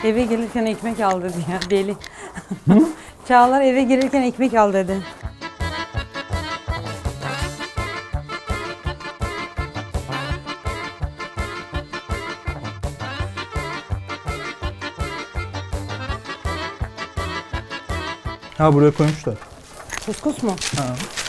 Eve gelirken ekmek al dedi ya deli. Çağlar eve gelirken ekmek al dedi. Ha buraya koymuşlar. Kuskus mu? Ha.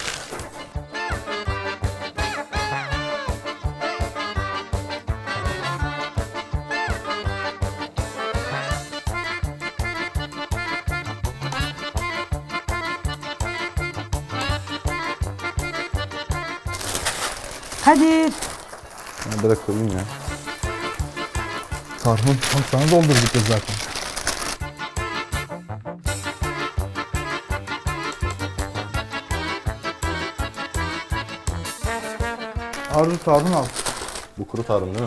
Hadi. Bırak koyayım ya. Tarhun. Oğlum sana doldurduk ya zaten. Arzu tarhun al. Bu kuru tarhun değil mi?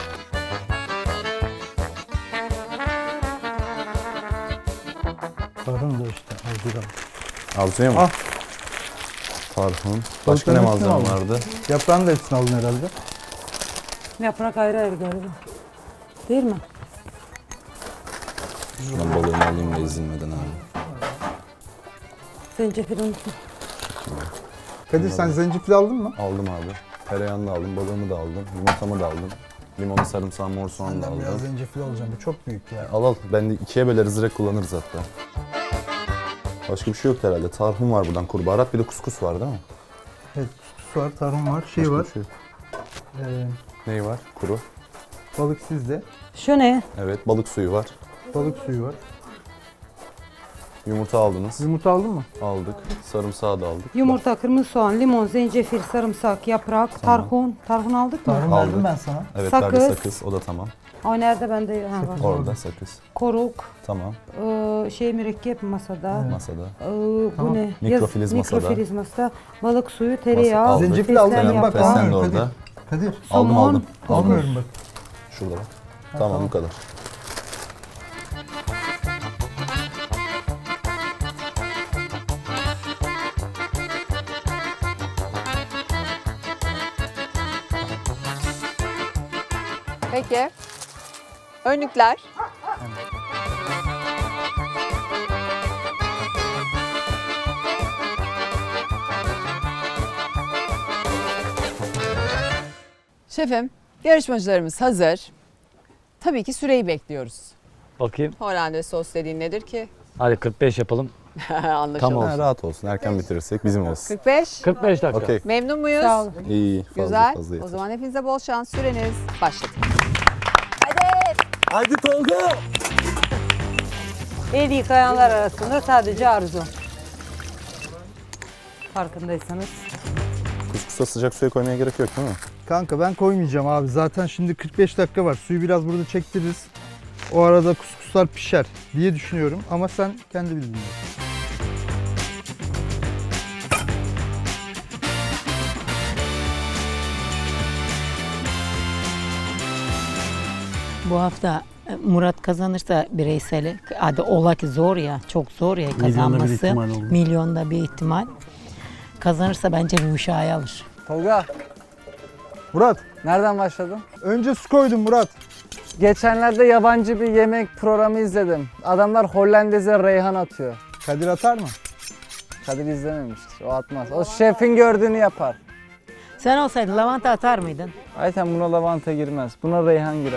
Tarhun da işte. Arzu al. Arzuya mı? Al. Tarhun. Başka ne Balıkların hepsini malzeme aldın. vardı? Yaprağını da hepsini aldın herhalde. Yaprak ayrı ayrı galiba. Değil mi? Ben balığımı alayım da ezilmeden abi. Zencefil unutma. Kadir sen zencefil aldın mı? Aldım abi. Tereyağını da aldım, balığımı da aldım, yumurtamı da aldım. Limonu, sarımsağı, mor soğanı da Senden biraz aldım. zencefil alacağım. Bu çok büyük ya. Al al. Ben de ikiye böleriz, direkt kullanırız hatta. Başka bir şey yok herhalde. Tarhun var buradan, kuru baharat, bir de kuskus var değil mi? Evet, kuskus var, tarhun var, şey Başka var. bir şey yok. Ee, Neyi var? Kuru. balık sizde. Şu ne? Evet, balık suyu var. Balık suyu var. Yumurta aldınız. Yumurta aldın mı? Aldık. Sarımsağı da aldık. Yumurta, kırmızı soğan, limon, zencefil, sarımsak, yaprak, tarhun. Tarhun aldık mı? Tarhun Aldık. verdim ben sana. Evet, Sakız. verdi sakız. O da tamam. O nerede bende? Ha, var. Orada sakız. Koruk, Tamam. mürekkep masada. Masada. Bu Tamam. ne? Mikrofiliz masada. Mikrofiliz masada. Balık suyu, tereyağı, aldık. Zencefil aldın fesleğen mı? Bak yaprağı. Fesleğen de almıyorum orada. Kadir. Kadir. Aldım Somon, aldım. Almıyorum bak. Şurada bak. Tamam bu kadar. Peki. Önlükler. Şefim, yarışmacılarımız hazır. Tabii ki süreyi bekliyoruz. Bakayım. Hollandaise sos dediğin nedir ki? Hadi 45 yapalım. Anlaşıldı. Tamam. Ha, rahat olsun. Erken bitirirsek bizim olsun. 45. 45 dakika. Okey. Memnun muyuz? Sağ olun. İyi. Fazla Güzel. fazla O yeter. zaman hepinize bol şans. Süreniz başladı. Haydi Tolga. El yıkayanlar arasında sadece Arzu. Farkındaysanız. Kuskusa sıcak suya koymaya gerek yok değil mi? Kanka ben koymayacağım abi. Zaten şimdi 45 dakika var. Suyu biraz burada çektiririz. O arada kuskuslar pişer diye düşünüyorum. Ama sen kendi bildiğin. Bu hafta Murat kazanırsa bireyseli, hadi ola ki zor ya, çok zor ya kazanması. Milyonda bir ihtimal. Kazanırsa bence Rüşa'yı alır. Tolga, Murat, nereden başladın? önce su koydum Murat. Geçenlerde yabancı bir yemek programı izledim. Adamlar Hollandaise reyhan atıyor. Kadir atar mı? Kadir izlememiştir, o atmaz. O şefin gördüğünü yapar. Sen olsaydın lavanta atar mıydın? Ayten buna lavanta girmez, buna reyhan girer.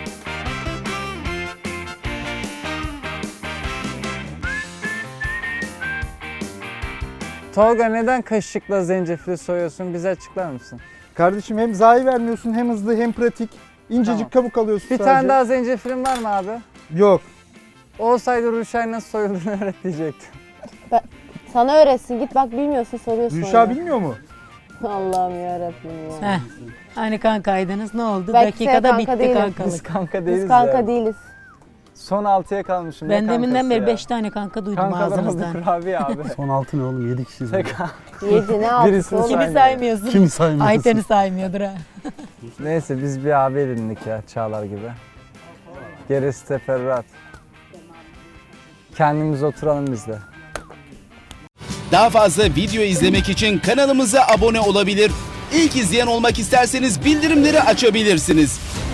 Tolga neden kaşıkla zencefili soyuyorsun? Bize açıklar mısın? Kardeşim hem zayi vermiyorsun, hem hızlı hem pratik. İncecik Tamam. kabuk alıyorsun Bir sadece. tane daha zencefilin var mı abi? Yok. Olsaydı Ruşay nasıl soyulduğunu öğret diyecektim. Sana öğretsin. Git bak bilmiyorsun soruyorsun. Rüşa bilmiyor mu? Allah'ım yarabbim ya. Heh. Hani kankaydınız ne oldu? Belki sen Dakikada kanka bitti değilim. Biz kankalık. kanka değiliz Biz kanka ya. değiliz. Son 6'ya kalmışım. Ben ne deminden kankası beri ya? 5 tane kanka duydum Kankalarımız ağzınızdan. kurabiye abi. Son 6 ne oğlum? 7 kişiyiz. Tek Yedi ne yaptı Birisini oğlum? Kimi saymıyorsun? Kim saymıyorsun? Ayten'i saymıyordur ha. Neyse biz bir abi edindik ya Çağlar gibi. Gerisi teferruat. Kendimiz oturalım biz de. Daha fazla video izlemek için kanalımıza abone olabilir. İlk izleyen olmak isterseniz bildirimleri açabilirsiniz.